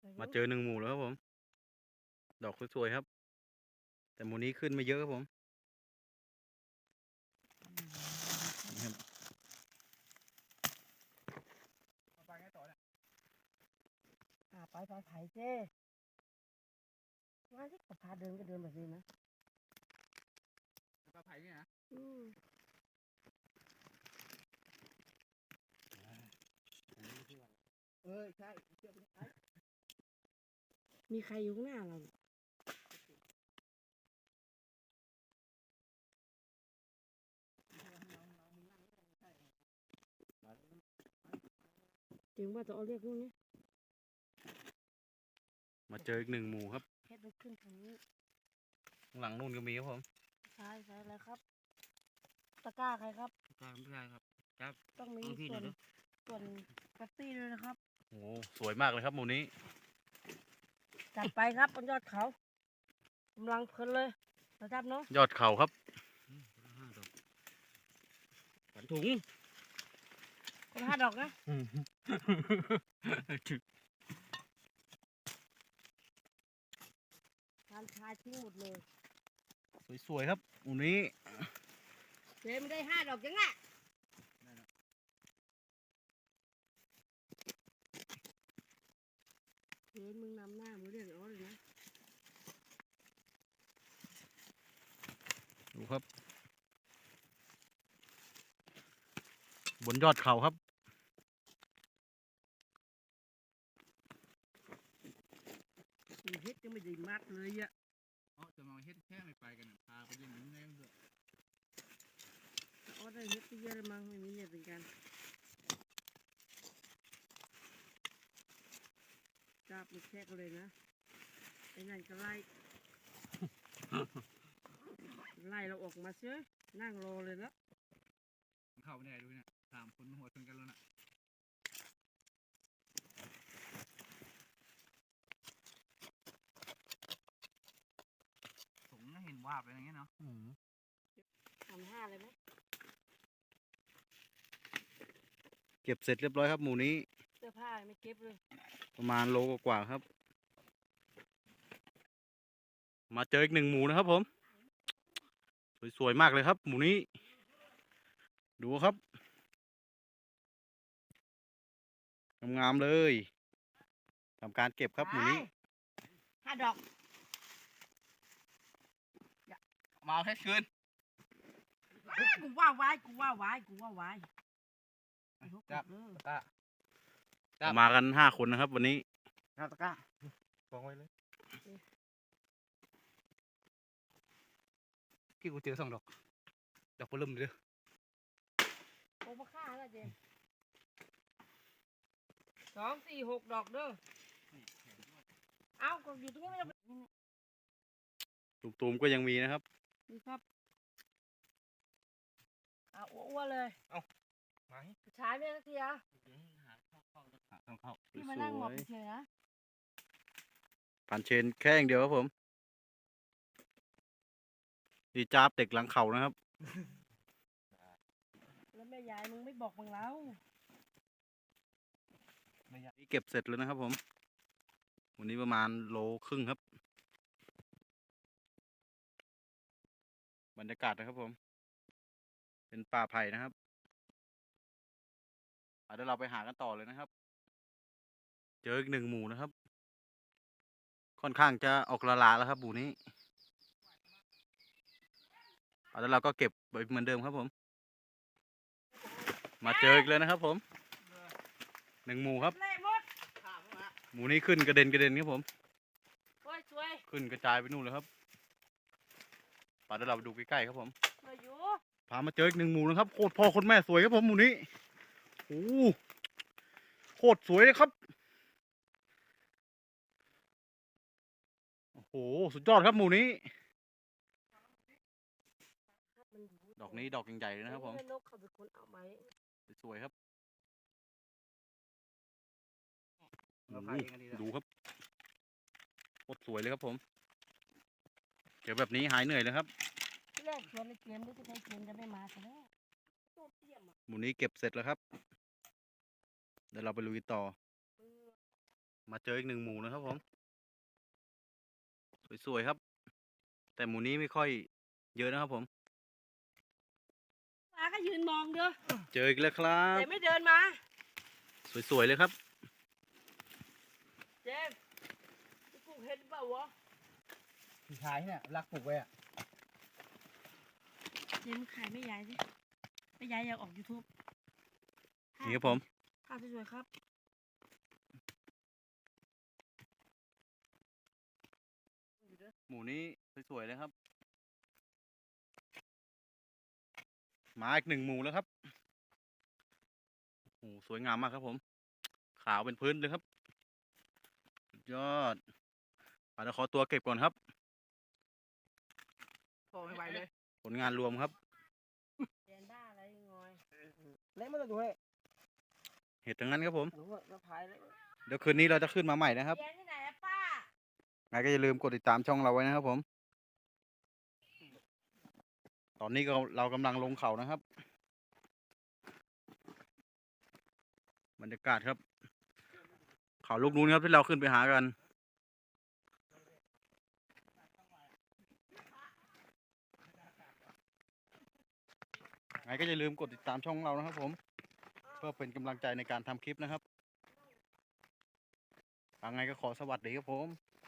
มาเจอ1 หมู่แล้วครับผมดอกสวยๆครับแต่หมู่นี้ขึ้นไม่เยอะครับผมนี่ครับไปไผ่เจ้มาที่พาเดินก็เดินแบบนี้นะปลาไผ่เนี่ยนะใช่มีใครอยู่ข้างหน้าเราถึงว่าจะเอาเรียกนู่นนี่มาเจออีก1 หมู่ครับเพชรขึ้นทางนี้ข้างหลังนู่นก็มีครับผมใช่อะไรครับตะกร้าใครครับปลาไม่ใช่ครับครับต้องมีส่วนกระตี้ด้วยนะครับโอ้สวยมากเลยครับหมู่นี้จัดไปครับบนยอดเขากำลังเพลินเลยนะครับเนาะยอดเขาครับขันถุงคน5 ดอกนะทานชาทิ้งหมดเลยสวยๆครับหมู่นี้เจ๊ไม่ได้5 ดอกจังอ่ะเฮ้ยมึงนำหน้ามึงเรียกอ้อเลยนะดูครับบนยอดเขาครับเฮ็ดก็ไม่ได้มากเลยอ่ะจะมาเฮ็ดแค่ไม่ไปกันพาไปเล่นยิ้มแน่เถอะอ้อได้เฮ็ดไปเยอะเลยมั้งไม่มีเนี่ยเป็นการจับมันแทกเลยนะไอ้นั่นก็ไล่ ไล่เราออกมาเชื่อนั่งรอเลยแล้วเข้าไม่ได้ด้วยนะ3 คนหัวชนกันแล้วนะสงเห็นวาบอะไรอย่างเงี้ยเนาะ 5 เลยไหมเก็บเสร็จเรียบร้อยครับหมู่นี้เสื้อผ้าไม่เก็บเลยประมาณโลกว่าๆครับ มาเจออีก1 หมู่นะครับผมสวยๆมากเลยครับหมู่นี้ดูครับงามๆเลยทำการเก็บครับหมู่นี้ 5 ดอกมาเอาแค่คืนกูว่าไว้จับตะมากัน5 คนนะครับวันนี้จับตะกร้าวางไว้เลยพี่กูเจอ2 ดอกดอกปลุ่มเลยโอ้มาฆ่าแล้วเจม2 4 6 ดอกเด้อเอาก็อยู่ตรงนี้ไม่ต้องตุ่มๆก็ยังมีนะครับนี่ครับเอาอ้วนเลยมาให้ฉายไม่สักทีอ่ะต้องเข้าพี่มานั่งหมอบเฉยๆนะผ่านเชนแค่อย่างเดียวครับผมดีจ้าบเด็กหลังเขานะครับแล้วแม่ยายมึงไม่บอกมึงแล้วนี่เก็บเสร็จแล้วนะครับผมวันนี้ประมาณ1.5 โลครับ บรรยากาศนะครับผมเป็นป่าไผ่นะครับเดี๋ยวเราไปหากันต่อเลยนะครับ เจออีก1 หมู่นะครับ ค่อนข้างจะออกละลาแล้วครับหมู่นี้แล้วเราก็เก็บไปเหมือนเดิมครับผมมาเจออีกเลยนะครับผม1 หมู่ครับเละหมดหมู่นี้ขึ้นกระเด็นครับผมโอ้ยสวยขึ้นกระจายไปนู่นเลยครับป่าเดี๋ยวเราไปดูใกล้ๆครับผมสวยอยู่พามาเจออีก1 หมู่นะครับโคตรพ่อโคตรแม่สวยครับผมหมู่นี้โอ้โคตรสวยเลยครับโอ้โหสุดยอดครับหมู่นี้ดอกนี้ดอกใหญ่ๆเลยนะครับผมแม่นกเขาเป็นคนเอาไว้สวยครับเราพาเองกันดีแล้วดูครับโคตรสวยเลยครับผมเดี๋ยวแบบนี้หายเหนื่อยเลยครับที่แรกชวนในเกมด้วยที่ใช้เกมจะไม่มาซะแล้วตัวเตี้ยมอ่ะหมู่นี้เก็บเสร็จแล้วครับเดี๋ยวเราไปลุยต่อมาเจออีกหนึ่งหมูนะครับผมสวยๆครับ แต่หมูนี้ไม่ค่อยเยอะนะครับผมปลาก็ยืนมองเด้อเจออีกแล้วครับแต่ไม่เดินมาสวยๆเลยครับเจมส์ปลูกเห็ดเปล่าวะพี่ชายเนี่ยรักปลูกไว้อะเจมส์ขายไม่ย้ายสิไม่ย้ายอยากออก YouTube นี่ครับผมภาพสวยๆครับหมูนี้สวยๆเลยครับ มาอีกหนึ่งหมูแล้วครับโอ้สวยงามมากครับผม ขาวเป็นพื้นเลยครับสุดยอดเดี๋ยวขอตัวเก็บก่อนครับโตไม่ไหวเลยผลงานรวมครับเรียนบ้าอะไรงอยเละไม่ต้องดูให้เห็ดทั้งนั้นครับผมหนูก็พายเลยเดี๋ยวคืนนี้เราจะขึ้นมาใหม่นะครับเรียนที่ไหนอะป้าไงก็อย่าลืมกดติดตามช่องเราไว้นะครับผม ตอนนี้เรากำลังลงเขานะครับ บรรยากาศครับ เขาลูกนู้นครับที่เราขึ้นไปหากัน ไงก็อย่าลืมกดติดตามช่องเรานะครับผม เพื่อเป็นกำลังใจในการทำคลิปนะครับยังไงก็ขอสวัสดีครับผม